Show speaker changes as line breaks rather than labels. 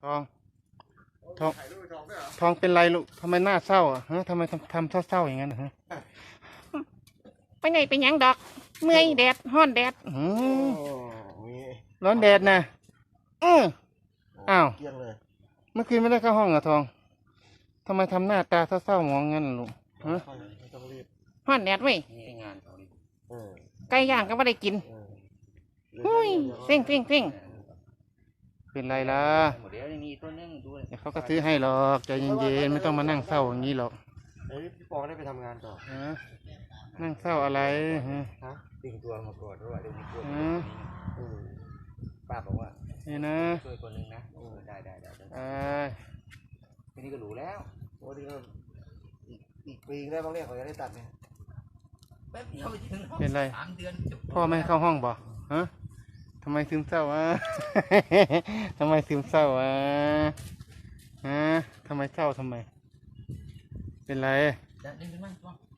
องทองทองเป็นไรลูกทำไมหน้าเศร้าอ่ะฮะทำไมทำเศร้าอย่างนั้นฮะไปไหนไปยังดอกเมื่อยแดดห้อนแดดร้อนแดดนะอ้าวเมื่อคืนไม่ได้เข้าห้องเหรอทองทำไมทำหน้าตาเศร้าๆมองงั้นลูกฮะห้อนแดดเว้ยไก่ย่างก็ไม่ได้กินหุ้ยเพ่งเป็นไรล่ะเดี๋ยวเขาก็ซื้อให้หรอกใจเย็นๆไม่ต้องมานั่งเศร้าอย่างนี้หรอก
พี่ปอได้ไปทำงานต่อ
นั่งเศร้าอะไรฮะ
ติ่งตัวมาก่อนด้วยเดี๋ยวมีตัวป้าบอกว่า
นี่นะ
ช่วยคนนึงนะได้ทีนี้ก็รู้แล้วโอ้ทีนี้อีกปีได้บางเรื่องเขาจะได้ตัดเนี่ย
แป๊บเดียวเป็นไรพ่อไม่ให้เข้าห้องบ่ฮะทำไมซึมเศร้าวะทำไมซึมเศร้าวะฮะทำไมเศร้าทำไมเป็นไร